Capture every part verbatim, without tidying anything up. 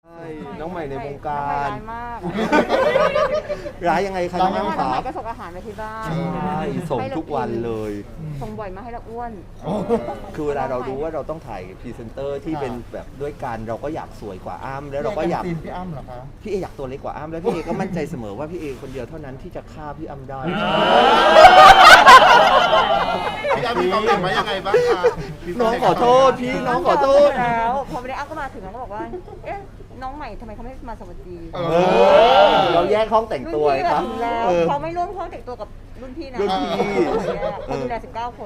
ใช่น้องใหม่ในวงกาน้องใหม่รร้ายมากร้ายยังไงคะน้องน้องอ้ำใหขาม่ก็ส่งอาหารมาที่บ้านใช่ส่งทุกวันเลยส่งบ่อยมาให้เราอ้วนคือเวลาเรารู้ว่าเราต้องถ่ายพรีเซนเตอร์ที่เป็นแบบด้วยกันเราก็อยากสวยกว่าอ้ำแล้วเราก็อยากซีนพี่อ้ำเหรอคะพี่เออยากตัวเล็กกว่าอ้ำแล้วพี่เอก็มั่นใจเสมอว่าพี่เอคนเดียวเท่านั้นที่จะฆ่าพี่อ้ำได้พี่อ้ำมีความเห็นว่ายังไงบ้างคะน้องขอโทษพี่น้องขอโทษแล้วพอไม่ได้อ้ำก็มาถึงแล้วก็บอกว่า เอ๊ะน้องใหม่ทำไมเขาไม่มาสวัสดีเอเออเราแยกห้องแต่งตัวรุ่นไงพี่ครับถึงแล้วเออเขาไม่ร่วมห้องแต่งตัวกับรุ่นพี่นะรุ่นพี่คนดูแลสิบเก้าคน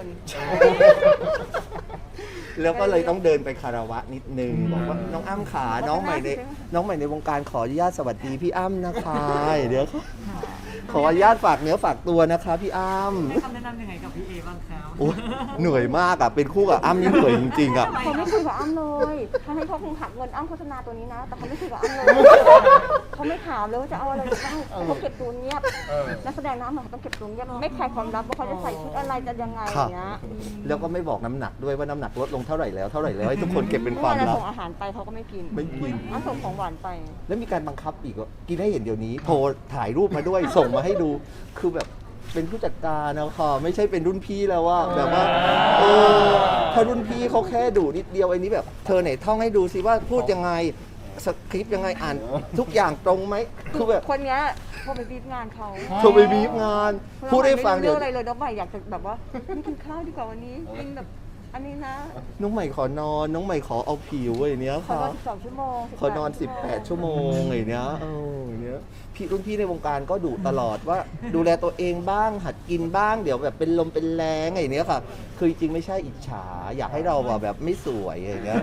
แล้วก็เลยต้องเดินไปคารวะนิดนึงบอกว่าน้องอ้ำขาน้องใหม่ในน้องใหม่ในวงการขออนุญาตสวัสดีพี่อ้ำนะคะเดี๋ยวขออนุญาตฝากเนื้อฝากตัวนะคะพี่อ้ำให้คำแนะนำยังไงกับพี่เอบ้างครับโอ้เหนื่อยมากอ่ะเป็นคู่กับอ้ำนี่เหนื่อยจริงๆอ่ะเขาไม่คุยกับอ้ำเลยทั้งที่เขาคงหักเงินอ้ำโฆษณาตัวนี้นะ แต่เขาไม่คุยกับอ้ำเลยเขาไม่ถามเลยว่าจะเอาอะไรบ้างเขาเก็บตัวเงียบเออนักแสดงน้ำมันเขาต้องเก็บตัวเงียบไม่คลายความลับว่าเขาจะใส่ชุดอะไรจะยังไงอย่างเงี้ยแล้วก็ไม่บอกน้ำหนักด้วยว่าน้ำหนักลดลงเท่าไหร่แล้วเท่าไหร่แล้วให้ทุกคนเก็บเป็นความเมื่อลัเราบส่งอาหารไปเขาก็ไม่กินไม่กินอ้ำส่งของหวานไปแล้วมีการบังคับอีกว่ากินให้เห็นเดี๋ยวนี้โทรถ่ายรูปมาด้วย ส่งมาให้ดูคือแบบเป็นผู้จัดการนะค่ะไม่ใช่เป็นรุ่นพี่แล้วว่าแบบว่าเออถ้ารุ่นพี่เขาแค่ดูนิดเดียวไอ้นี้แบบเธอไหนท่องให้ดูสิว่าพูดยังไงสคริปต์ยังไงอ่านทุกอย่างตรงไหมคือแบบคนเนี้ยพอไปบีบงานเขาโทรไปบีบงาน พูดให้ฟังเดี๋เดี๋ยยว วอะไรเลยน้องใหม่อยากจะแบบว่าไม่กินข้าวดีกว่าวันนี้กินแบบอันนี้นะน้องใหม่ขอนอน น้องใหม่ขอเอาผิวไอ้เนี้ยขอค่ะนอนสิบสองชั่วโมงขอนอน สิบแปด ชั่วโมงไอ้เนี้ยเออไอ้เนี้ยพี่รุ่นพี่ในวงการก็ดุตลอดว่า ดูแลตัวเองบ้างหัดกินบ้างเดี๋ยวแบบเป็นลมเป็นแรงไอ้เนี้ยค่ะ คือจริงๆไม่ใช่อิจฉา อยากให้เราอะแบบไม่สวยไอ้เนี้ย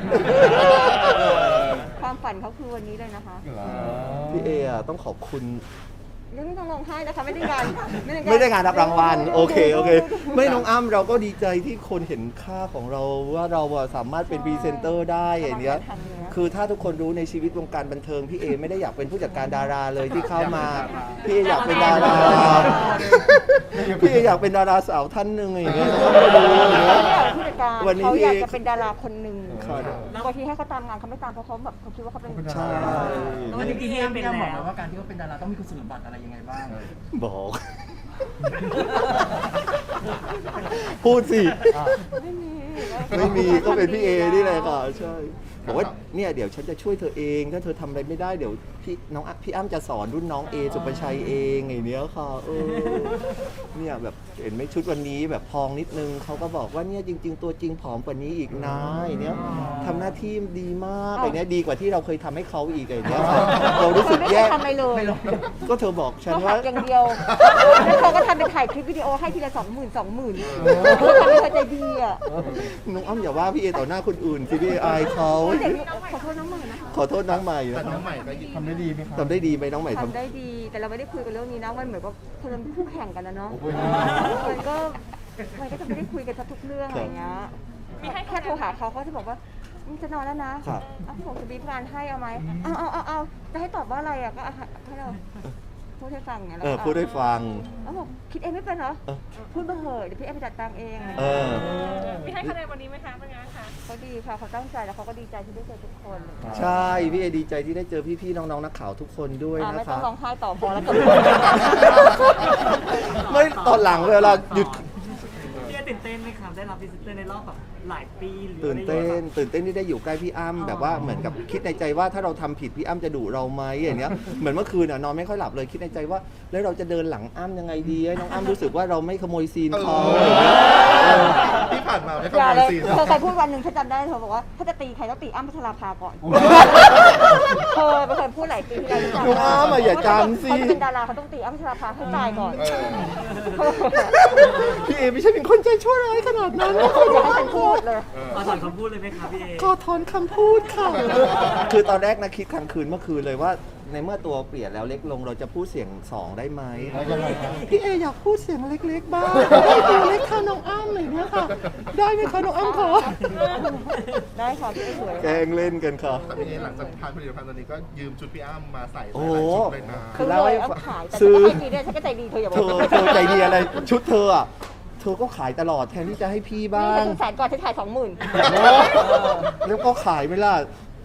ความฝันเขาคือวันนี้เลยนะคะพี่เออะต้องขอบคุณเรื่องไม่ต้องร้องไห้นะคะไม่ได้งานไม่ได้งานรับรางวัลโอเคโอเค ไม่น้องอ้ำเราก็ดีใจที่คนเห็นค่าของเราว่าเราอะสามารถเป็นพรีเซนเตอร์ได้อย่างเนี้ยคือถ้าทุกคนรู้ในชีวิตวงการบันเทิงพี่เอไม่ได้อยากเป็นผู้จัดการดาราเลยที่เข้ามาพี่เออยากเป็นดาราพี่เออยากเป็นดาราสาวท่านหนึ่งอย่างเงี้ยต้องไปดูอย่างเงี้ยผู้จัดการวันนี้เขาอยากพี่จะเป็นดาราคนหนึ่งครับบางทีให้เขาตามงานเขาไม่ตามเพราะเขาแบบเขาคิดว่าเขาเป็นใช่แล้ววันนี้พี่เอเป็นพี่อ้ำบอกแล้มาว ว่าการที่เขาเป็นดาราต้องมีคุณสมบัติอะไรยังไงบ้างบอก พูดสิไม่มีไม่มีก็เป็นพี่เอนี่แหละค่ะใช่บอกว่าเนี่ยเดี๋ยวฉันจะช่วยเธอเองถ้าเธอทำอะไรไม่ได้เดี๋ยวพี่น้องอ่ะพี่อ้ำจะสอนรุ่นน้องเอสุปชัยเองไงเนี้ยค่ะเออเนี่ยแบบเห็นไหมชุดวันนี้แบบพองนิดนึงเขาก็บอกว่าเนี่ยจริง ๆ ตัวจริงผอมกว่านี้อีกนะไอ้เนี้ยทำหน้าที่ดีมากไอ้เนี้ยดีกว่าที่เราเคยทำให้เขาอีกไอ้เนี้ยค่ะเรารู้สึกไม่แย่ได้ทำอะไรเลยก็เธอบอกฉันเขาหัว่ากอย่างเดียวแล้วเขาก็ทำเป็นถ่ายคลิปวิดีโอให้ทีละสองหมื่นสองหมื่นเขาทำเป็นคนใจดีอ่ะน้องอ้ำอย่าว่าพี่เอต่อหน้าคนอื่นสิพี่เออายเขาเด็กขอโทษน้องใหม่นะคะขอโทษน้องใหม่แต่นะคน้รัอบ งใหม่ก็ยินทำได้ดีไหมครับทำได้ดีไหมน้องใหม่ทำทำได้ดี แต่เราไม่ได้คุยกันเรื่องนี้นะมันเหมือนกับคนเป็นคู่แข่งกันนะเนาะมันก็มันก็จะไม่ได้คุยกันทุกเรื่องอะไรเงี้ยแค่โทรหาเขาเขาจะบอกว่าจะนอนแล้วนะครับ เอาผมจะบีบงานให้เอาไหมเอาเอาเอาเอาจะให้ตอบว่าอะไรอ่ะก็ให้เราพูดให้ฟังไงเออพูดให้ฟังเขาบอกคิดเองไม่เป็นเหรอเออพูดมาเหอะเดี๋ยวพี่เอ็มไปจัดตังเองเออพี่ให้คะแนนวันนี้ไหมคะเป็นไงคะเขาดีค่ะเขาตั้งใจแล้วเขาก็ดีใจที่ได้เจอทุกคนใช่พี่เอดีใจที่ได้เจอพี่ๆน้องๆนักข่าวทุกคนด้วยอ่านะไม่คต้อรับงร้องไห้ต่อพอแล้วจบไม่ตอนหลังเวลาหยุดพี่เอตื่นเต้นไหมครับได้รับพรีเซนเตอร์ในรอบแบบหลายปีหรือตื่นเต้นอะไรอย่างเงี้ยตื่นเต้นที่ได้อยู่ใกล้พี่อ้ำแบบว่าเหมือนกับคิดในใจว่าถ้าเราทำผิดพี่อ้ำจะดุเราไหมอย่างเนี้ยเหมือนเมื่อคืนอ่ะนอนไม่ค่อยหลับเลยคิดในใจว่า แล้วเราจะเดินหลังอ้ำยังไงดีให้น้องอ้ำรู้สึกว่าเราไม่ขโมยซีนเขาอย่างเงี้ยเออที่ผ่านมาไม่อเข้าย่าใจเลยซีนเธอเคยพูดวันหนึ่งฉันจำได้เธอบอกว่าถ้าจะตีใครต้องตีอ้ำพัชราภาก่อนเธอเป็นคนพูดหลายปีที่แล้วน้องอ้ำอะอย่าจำสิเขาจะเป็นดาราเขาต้องตีอ้ำพัชราภาให้ตายก่อนเออพี่เอไม่ใช่เป็นคนใจชั่วร้ายขนาดนั้นนะอย่าให้ฉันพูดเลยขอถอนคำพูดเลยไหมครับพี่เอขอถอนคำพูดค่ะ คือตอนแรกนะคิดกลางคืนเมื่อคืนเลยว่า ในเมื่อตัวเปลี่ยนแล้วเล็กลงเราจะพูดเสียงสองได้ไหม พี่เออยากพูดเสียงเล็กๆบ้างได้ตัวเล็กค่ะน้องอ้ำเลยเนี่ยค่ะ ได้ไหมคะน้องอ้ำคะได้ค่ะพี่เอ๋สวยแกล้งเล่นกันค่ะแต่พี่เอหลังจากทานผลิตภัณฑ์ตัวนี้ก็ยืมชุดพี่อ้ำมาใส่หโอ้ลายๆชุดเลยนะคือเลยเอาขายแต่ซื้อก็ให้ดีด้วยฉันก็ใจดีเธออย่าบอเธกอเธอใจดีอะไร ชุดเธออ่ะ เธอก็ขายตลอดแทนที่จะให้พี่บ้านี่ฉังนแสนก่อนฉันขายสองหมื่นแล้วก็ขายไหมล่ะ เธ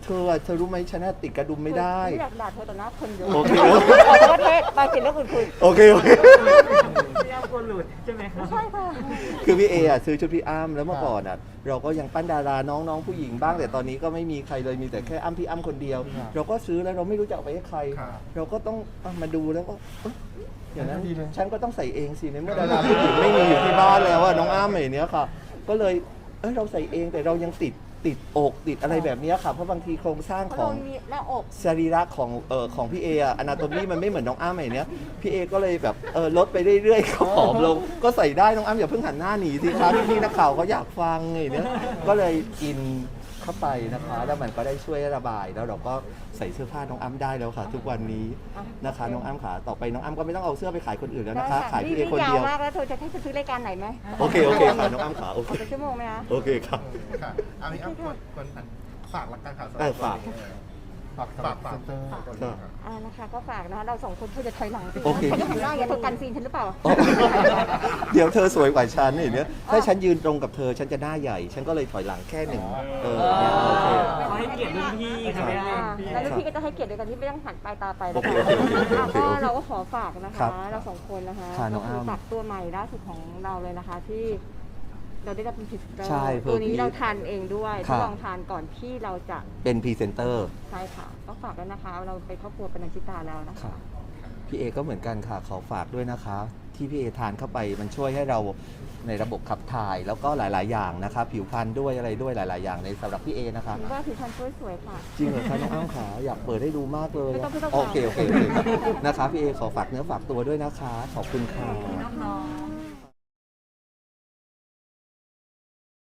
ธออะเธอรู้ไหมฉันน่ะติดกระดุมไม่ได้ไม่อยากด่าเธอต่อหน้าคนเยอะโอเคขอโทษเทศไปเสร็จแล้วอื่นคุยโอเคโอเคพี่อ้ำกลัวหลุดใช่ไหมครับใช่ค่ะคือพี่เออ่ะซื้อชุดพี่อ้ำแล้วเมื่อก่อนอ่ะเราก็ยังปั้นดาราน้องๆผู้หญิงบ้างแต่ตอนนี้ก็ไม่มีใครเลยมีแต่แค่อ้ำพี่อ้ำคนเดียว เราก็ซื้อแล้วเราไม่รู้จะเอาไปให้ใคร เราก็ต้องเอามาดูแล้วก็เอ๊ะอย่างนั้นฉันก็ต้องใส่เองสิในเมื่อดาราผู้หญิงไม่มีอยู่ที่บ้านแล้วอะน้องอ้ำอย่างเนี้ยค่ะ ก็เลยเอ้ยเราใส่เองแต่เรายังติดติดอกติดอะไรแบบเนี้ยค่ะเพราะบางทีโครงสร้างเพราะขอเรางมีหน้าอกสรีระของเอ่อของพี่เออะอนาโตมีมันไม่เหมือนน้องอ้ำอย่างเนี้ยพี่เอก็เลยแบบเออลดไปเรื่อยๆก็ผอมลงก็ใส่ได้น้องอ้ำอย่าเพิ่งหันหน้าหนีสิคะพี่ๆนักข่าวเขาอยากฟังไงเนี้ยก็เลยกินเข้าไปนะคะแล้วมันก็ได้ช่วยระบายแล้วเราก็ใส่เสื้อผ้าน้องอ้ำได้แล้วค่ะ ทุกวันนี้นะคะน้องอ้ำขาต่อไปน้องอ้ำก็ไม่ต้องเอาเสื้อไปขายคนอื่นแล้วนะคะขายพี่เอคนเดียวยาวมากแล้วเธอจะให้ฉันซื้อรายการไหนไหมโอเคโอเคค่ะน้องอ้ำขาโอเคขอเป็นชั่วโมงไหมคะโอเคค่ะค่ะเอาพี่อ้ำคนคนฝากละกันค่ะสำหเอรัอบ ฝากฝากฝากฝากเตอร์อ่านะคะก็ฝากนะคะเราสองคนเธอจะถอยหลังสิโอเคฉันจะทำหน้าอย่างนี้เธอกันซีนฉันหรือเปล่าอ๋อเดี๋ยวเธอสวยกว่าฉันอย่างเนี้ยถ้าฉันยืนตรงกับเธอฉันจะหน้าใหญ่ ฉันก็เลยถอยหลังแค่หนึ่งเออเนี่ยโอเคขอให้เกียรติรุ่นพี่ครับพี่อ้อ่าำแล้วลูกพี่ก็จะให้เกียรติโดยการที่ไม่ต้องหันปลายตาไปโอนะเคคะโอเคโอเคอ่ะโอเคก็โอเคเราก็ขอฝากนะครัคะบเราสองคนนะคะค่ะน้ก็องคืออ้ำฝากตัวใหม่ล่าสุดของเราเลยนะคะที่เราได้รับเป็นพรีเซนเตอร์ใช่เพิ่มตัวนี้อีกเราทานเองด้วยค่ะทดลองทานก่อนที่เราจะเป็นพรีเซนเตอร์ใช่ค่ะก็ฝากด้วยนะคะ เราเป็นครอบครัวปนัญชิตาแล้วนะคะค่ะพี่เอก็เหมือนกันค่ะขอฝากด้วยนะคะ ที่พี่เอทานเข้าไปมันช่วยให้เราในระบบขับถ่าย แล้วก็หลาย ๆ อย่างนะคะผิวพรรณด้วยอะไรด้วยหลาย ๆ อย่างในสำหรับพี่เอนะคะถือว่าผิวพรรณช่วยสวยค่ะจริงเหรอคะน้องอ้ำขาอยากเปิดให้ดูมากเลยไม่ต้องไม่ต้องโอเคโอเคโอเคครับนะคะพี่เอขอฝากเนื้อฝากตัวด้วยนะคะ ขอบคุณค่ะน้องๆ